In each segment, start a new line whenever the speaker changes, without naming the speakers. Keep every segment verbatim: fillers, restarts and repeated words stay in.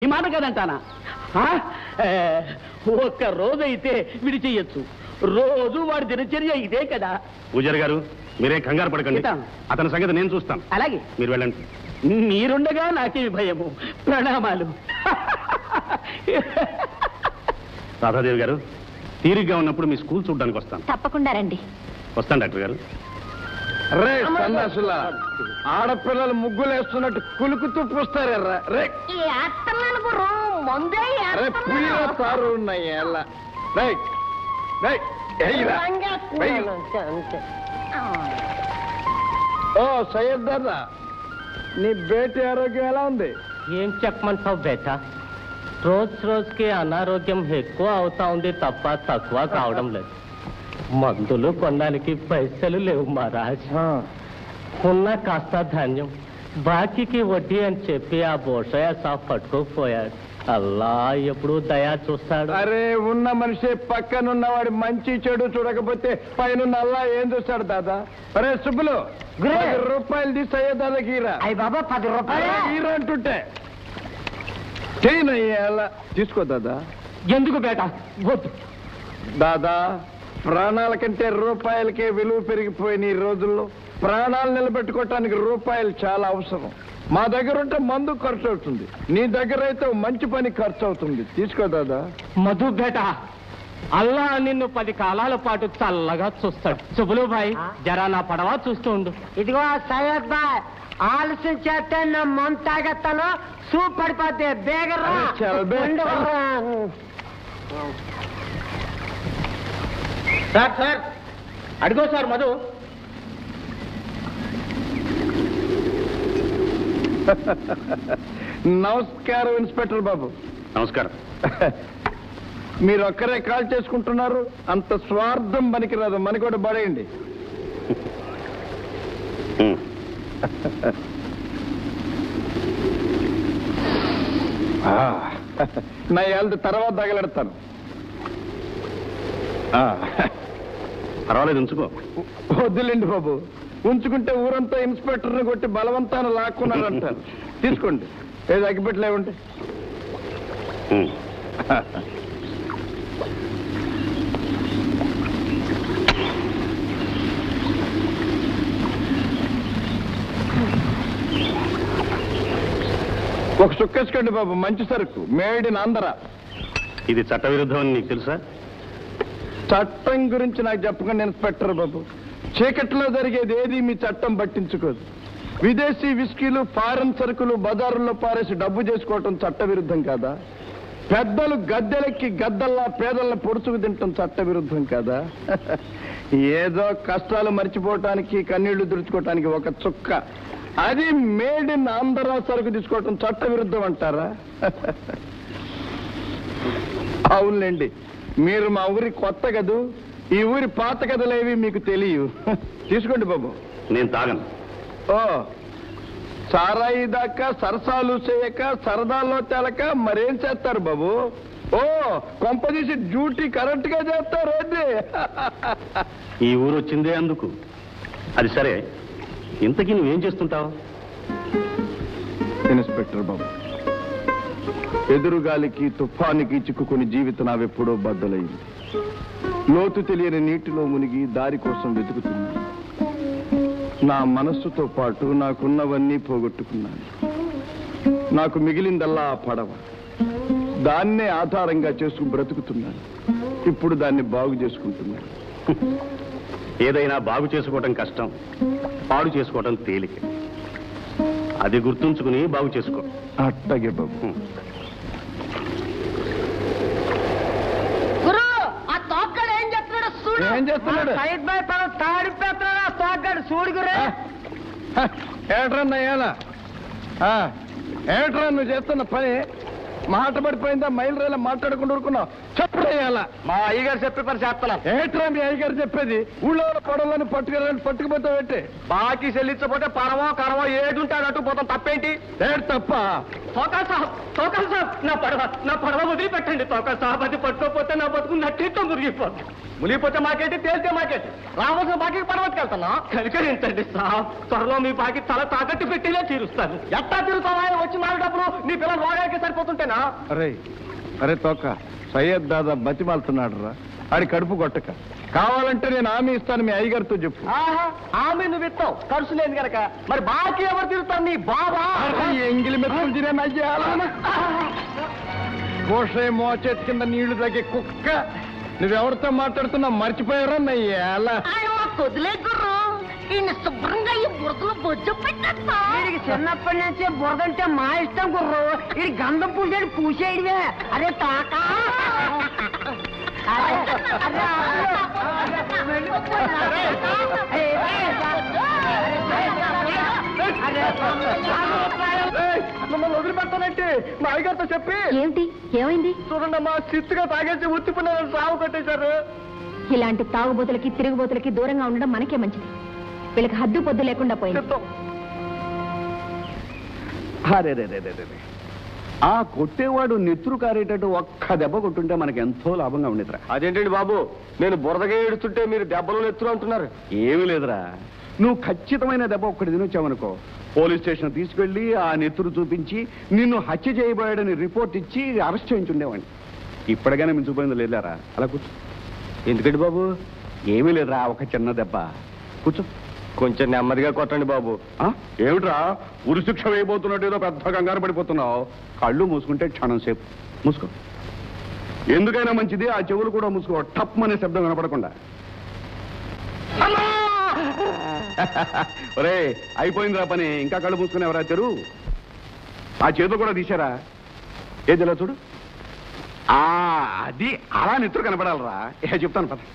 మాట కదంటానా? ఒక్క రోజైతే విడిచేయచ్చు, రోజు వాడి దినచర్య ఇదే కదా.
పూజారి గారు మీరేం కంగారు పడకండి, అతని సంగతి నేను చూస్తాను.
అలాగే,
మీరు వెళ్ళండి.
మీరుండగా నాకేమి భయము. ప్రణామాలు.
రాధాదేవి గారు, తీరిగ్గా ఉన్నప్పుడు మీ స్కూల్ చూడడానికి వస్తాను.
తప్పకుండా రండి.
వస్తాను డాక్టర్ గారు.
రే సందాసులా, ఆడపిల్లలు ముగ్గులు వేస్తున్నట్టు కులుకుతూ పూస్తారా? రే పులిలో తారు ఉన్నాయి. ఓ సయ్యద్ దాదా, నీ బేటీ ఆరోగ్యం ఎలా ఉంది?
ఏం చెప్పమంటావు బేటా, రోజు రోజుకి అనారోగ్యం ఎక్కువ అవుతా ఉంది తప్ప తక్కువ కావడం లేదు. మందులు కొనడానికి పైసలు లేవు మహారాజ్. ఉన్న కాస్త ధాన్యం బాకీకి వడ్డీ అని చెప్పి ఆ బోషయ్య సాఫ్ పట్టుకోపోయాడు. అల్లా ఎప్పుడు దయా చూస్తాడు.
అరే ఉన్న మనిషి పక్కనున్నవాడి మంచి చెడు చూడకపోతే పైన అల్లా ఏం చూస్తాడు దాదా? అరే సుబ్బులు, పది రూపాయలు తీసి అయ్యే దాదాకి ఈరా.
అయ్యి బాబా పది రూపాయలు
ఈరా అంటుంటే చేయనయ్యేలా తీసుకో దాదా.
ఎందుకు బేటా? వద్దు
దాదా, ప్రాణాల కంటే రూపాయలకే విలువ పెరిగిపోయిన ఈ రోజుల్లో ప్రాణాలు నిలబెట్టుకోవటానికి రూపాయలు చాలా అవసరం. మా దగ్గర ఉంటే మందు ఖర్చు అవుతుంది, నీ దగ్గర అయితే మంచి పని ఖర్చు అవుతుంది. తీసుకో దాదా.
మధు బేటా, అల్లా నిన్ను పది కాలాల పాటు చల్లగా చూస్తాడు. సుబులు భాయ్, జరా నా పడవ చూస్తూ ఉండు.
ఇదిగో సయ్యద్ బాయ్, ఆలస్యం చేస్తే నా మంత తాగేస్తాను, సూప్ పడిపోతే బేగరా.
సార్ సార్ అడిగో సార్ మధు.
నమస్కారం ఇన్స్పెక్టర్ బాబు.
నమస్కారం.
మీరు ఒక్కరే కాల్ చేసుకుంటున్నారు, అంత స్వార్థం పనికిరాదు, మనకి కూడా పడేయండి. నా ఏళ్ళ తర్వాత తగలెడతాను.
పర్వాలేదు, ఉంచుకో.
వద్దులేండి బాబు, ఉంచుకుంటే ఊరంతా ఇన్స్పెక్టర్ని కొట్టి బలవంతాన్ని లాక్కున్నారంటారు. తీసుకోండి, ఏది అగ్గిపెట్టలేవండి. ఒక చుక్కేసుకోండి బాబు, మంచి సరుకు, మేడ్ ఇన్ ఆంధ్ర.
ఇది చట్టవిరుద్ధం అని నీకు తెలుసా?
చట్టం గురించి నాకు చెప్పకండి ఇన్స్పెక్టర్ బాబు. చీకట్లో జరిగేది ఏది మీ చట్టం పట్టించుకోదు. విదేశీ విస్కీలు, ఫారెన్ సరుకులు బజారుల్లో పారేసి డబ్బు చేసుకోవటం చట్ట విరుద్ధం కాదా? పెద్దలు గద్దెలెక్కి గద్దల్లా పేదల్ని పొడుచుకు తింటాం చట్ట విరుద్ధం కాదా? ఏదో కష్టాలు మర్చిపోవటానికి, కన్నీళ్లు తుడుచుకోవటానికి ఒక చుక్క, అది మేడ్ ఇన్ ఆంధ్ర సరుకు తీసుకోవటం చట్ట విరుద్ధం అంటారా? అవునులేండి, మీరు మా ఊరి కొత్త కదూ, ఈ ఊరి పాత కథలేవి మీకు తెలియవు. తీసుకోండి బాబు.
నేను తాగను.
ఓ, సారాయి దాకా సరసాలు చేయక సరదాల్లో తేలక మరేం చేస్తారు బాబు? ఓ, కొంపదీసి డ్యూటీ కరెక్ట్ గా చేస్తారు. ఏంటి
ఈ ఊరు వచ్చిందే అందుకు. అది సరే, ఇంతకీ నువ్వేం చేస్తుంటావు?
ఇన్స్పెక్టర్ బాబు, ఎదురుగాలికి తుఫానికి చిక్కుకుని జీవితం నావెప్పుడో బద్దలైంది. లోతు తెలియని నీటిలో మునిగి దారి కోసం వెతుకుతున్నాను. నా మనస్సుతో పాటు నాకున్నవన్నీ పోగొట్టుకున్నాను. నాకు మిగిలిందల్లా ఆ పడవ. దాన్నే ఆధారంగా చేసుకుని బ్రతుకుతున్నాను. ఇప్పుడు దాన్ని బాగు చేసుకుంటున్నాను.
ఏదైనా బాగు చేసుకోవటం కష్టం, పాడు చేసుకోవటం తేలిక. అది గుర్తుంచుకుని బాగు చేసుకో.
అట్టగే బాబు. ఏం చేస్తున్నాడు?
సయ్యద్ బాయ్ పద తాడిపోతున్నాడు, ఆ తోగ్గాడు చూడు గురే.
ఏట్రన్నా ఏలా ఏట్రా నువ్వు చేస్తున్న పని? మాట పడిపోయిందా? మైలు రైలా మాట్లాడకుండా ఊరుకున్నావు. చెప్పుడేయాలా?
మా అయ్యగారు చెప్పే పని చేస్తున్నా.
ఏట్రా మీ అయ్యగారు చెప్పేది? ఊళ్ళో పొడవలను పట్టుకెళ్ళని పట్టుకుపోతావు ఏంటి?
బాకీ చెల్లించకపోతే పరమో కరమో ఏది ఉంటే అటు పోతాం, తప్పేంటి?
ఏడు తప్ప?
సోకాల్ సాబ్, సోకాల్ సాబ్,
నా పడవ నా పడవ వదిలిపెట్టండి తోక సాబతి పట్టుకోపోతే నా బతుకు నట్టితో మురిగిపోతుంది. మునిగిపోతే మాకేంటి, తేలితే మాకేంటి, రావాల్సిన బాకీ పడవకెళ్తున్నా. కనికరించండి సాబ్, త్వరలో మీ బాకీ తల తాకట్టు పెట్టిలే తీరుస్తాను. ఎట్టా తీరుతావా? వచ్చి నాలుగు డబ్బులు నీ పిల్లలు వాడాకే సరిపోతుంటేనా?
అరే అరే తోక, సయ్యద్ దాదా బతిమాలుతున్నాడు రా, ఆడి కడుపు కొట్టక. కావాలంటే నేను హామీ ఇస్తాను, మీ అయ్యగారితో చెప్పు.
ఆమె నువ్వు ఇస్తావు, ఖర్చు లేదు కనుక. మరి బాకీ ఎవరు తీరుతారు? నీ బాబా.
ఎంగిలి మెతుకులు తినే కోసే మోచెట్టు కింద నీళ్లు తగ్గే కుక్క. నువ్వెవరితో మాట్లాడుతున్నావు మర్చిపోయారా నయ్యాల?
కొద్దిలే గుర్రు, ఈయన శుభ్రంగా ఈ బురదలో బొజ్జు పెట్టేస్తా.
వీడికి చిన్నప్పటి నుంచి బురదంటే మా ఇష్టం గుర్రు. ఇది గంధం పూసేది పూసేయడమే. అరే తాకా
మమ్మల్ని వదిలిపెట్టానంటే మా అయ్యగారితో చెప్పి.
ఏమిటి, ఏమైంది?
చూడండి అమ్మా, చిత్తుగా తాగేసి ఉత్తిపోయిన సాగు కట్టేశారు.
ఇలాంటి తాగుబోతులకి తిరుగుబోతులకి దూరంగా ఉండడం మనకే మంచిది. వీళ్ళకి హద్దు పొద్దు లేకుండా పోయింది.
అరే రే రే రే ఆ కొట్టేవాడు నెత్తురు కారేటట్టు ఒక్క దెబ్బ కొట్టుంటే మనకి ఎంతో లాభంగా ఉండేదిరా.
అదేంటండి బాబు, నేను బురదగా ఏడుస్తుంటే మీరు దెబ్బలు నెత్తురు అంటున్నారు.
ఏమీ లేదురా, నువ్వు ఖచ్చితమైన దెబ్బ ఒక్కటి తినొచ్చావనుకో, పోలీస్ స్టేషన్ తీసుకెళ్లి ఆ నెత్తురు చూపించి నిన్ను హత్య చేయబోయాడని రిపోర్ట్ ఇచ్చి అరెస్ట్ చేయించుండేవాడిని. ఇప్పటికైనా మించిపోయింది లేదారా? అలా కూర్చో.
ఎందుకండి బాబు?
ఏమీ లేదురా, ఒక చిన్న దెబ్బ. కూర్చో.
కొంచెం నెమ్మదిగా కొట్టండి బాబు.
ఏమిట్రా ఉరి శిక్ష వేయబోతున్నట్టు ఏదో పెద్ద కంగారు పడిపోతున్నావు? కళ్ళు మూసుకుంటే క్షణం సేపు మూసుకో. ఎందుకైనా మంచిది ఆ చెవులు కూడా మూసుకో, టప్ అనే శబ్దం వినపడకుండా. ఒరే అయిపోయిందిరా పని, ఇంకా కళ్ళు మూసుకుని ఎవరా తెరు. ఆ చేతులు కూడా తీశారా? ఏది ఇలా చూడు. ఆ అది అలా నెత్తురు కనపడాలరా. ఏ చెప్తాను పద.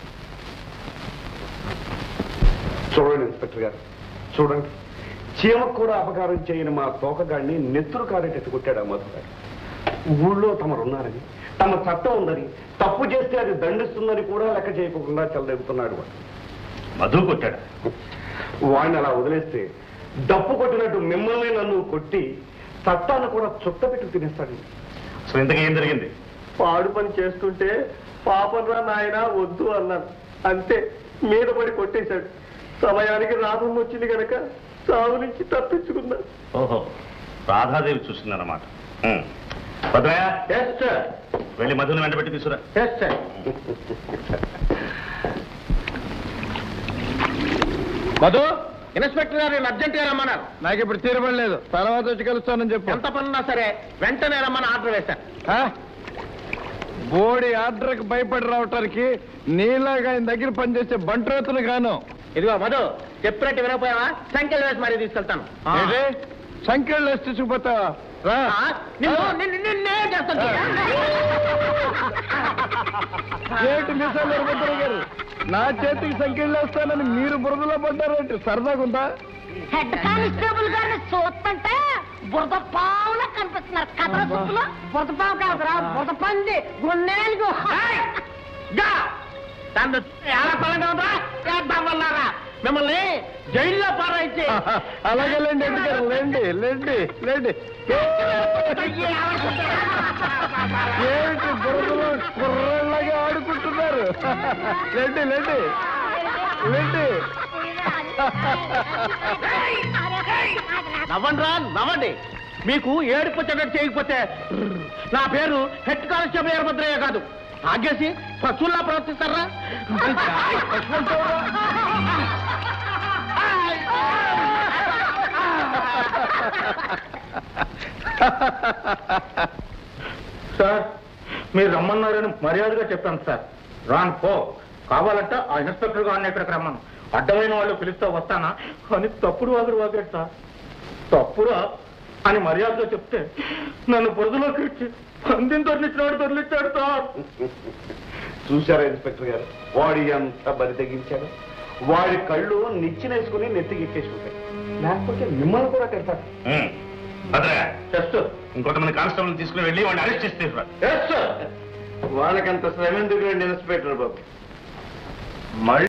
చూడండి ఇన్స్పెక్టర్ గారు, చూడండి, చీమకు కూడా అపకారం చేయని మా తోకగాడిని నెత్తురు కారేటట్టు కొట్టాడు ఆ మధుగాడు. ఊళ్ళో తమరున్నారని, తమ చట్టం ఉందని, తప్పు చేస్తే అది దండిస్తుందని కూడా లెక్క చేయకుండా చెలదెగుతున్నాడు వాడు. మధు కొట్టాడు. వాడిని అలా వదిలేస్తే డప్పు కొట్టినట్టు మిమ్మల్ని నన్ను కొట్టి చట్టాన్ని కూడా చుట్ట పెట్టి తినేస్తాడు. అసలు ఇంతకీ ఏం జరిగింది?
పాడు పని చేస్తుంటే పాపరా నాయన వద్దు అన్నాను, అంతే మీద పడి కొట్టేశాడు. సమయానికి రాధం వచ్చింది కనుక సాగు నుంచి తప్పించుకున్నాను.
ఓహో, రాధాదేవి చూసిందన్నమాట. వెళ్ళి మధుని వెంట పెట్టి తీసుకురా.
మధు, ఇన్స్పెక్టర్ గారు అర్జెంట్ గా రమ్మన్నారు. నాకు ఇప్పుడు తీరబడలేదు, తర్వాత వచ్చి కలుస్తానని చెప్పు. ఎంత పనున్నా సరే వెంటనే రమ్మని ఆర్డర్ వేశాను. బోడి ఆర్డర్కి భయపడి రావటానికి నీలాగా ఆయన దగ్గర పనిచేసే బంట్రోతులు గాను.
ఇదిగో మధు, చెప్పినట్టు వినకపోయావా? సంఖ్యలు వేసి మరీ తీసుకెళ్తాను.
సంఖ్యలు వేసి తీసుకుపోతావా? ఏంటి మిసాలు ఎరబద్ర గారు, నా చేతికి సంఖ్యలు వేస్తానని మీరు బురదలో పడ్డారంటే సరదాగా ఉందా?
హెడ్ కానిస్టేబుల్ గారిని చూస్తుంటే బురద పావులా కనిపిస్తున్నారు. కథల సుప్పులో
బురద పావు కాదురా, బురద పంది గుండెలకు.
మిమ్మల్ని జైల్లో పారాయించి.
అలాగే లేండి ఎందుకు లేండి లేండి లేండి. ఏంటి బురదలో కుర్రలాగా ఆడుకుంటున్నారు? లేండి లేండి లేండి.
నవ్వండి రా, నవ్వండి. మీకు ఏడుపు వచ్చేటట్టు చేయకపోతే నా పేరు హెడ్ కానిస్టేబుల్ వీరభద్రయ్య కాదు. ఆగేసి పశువుల్లా ప్రవర్తిస్తారా?
సార్, మీరు రమ్మన్నారని మర్యాదగా చెప్పాను సార్. రాను పో, కావాలంటే ఆ ఇన్స్పెక్టర్ గారిని ఇక్కడికి రమ్మను. అడ్డమైన వాళ్ళు పిలుస్తూ వస్తానా అని తప్పుడు వాగుడు వాగాడు సార్. తప్పురా అని మర్యాదగా చెప్తే నన్ను బురదలోకి ఇచ్చి పందిని తొలిచాడు తొలిచాడు సార్.
చూశారా ఇన్స్పెక్టర్ గారు, వాడి ఎంత బరి తెగించాడు. వాడి కళ్ళు నిచ్చినేసుకుని నెత్తికెక్కేసుకుంటాయి, లేకపోతే మిమ్మల్ని కూడా కడతారు. ఇంకొంతమంది కానిస్టేబుల్ తీసుకుని వెళ్ళి వాడిని అరెస్ట్ చేస్తే
వాళ్ళకంత శ్రమ ఎందుకు ఇన్స్పెక్టర్ బాబు?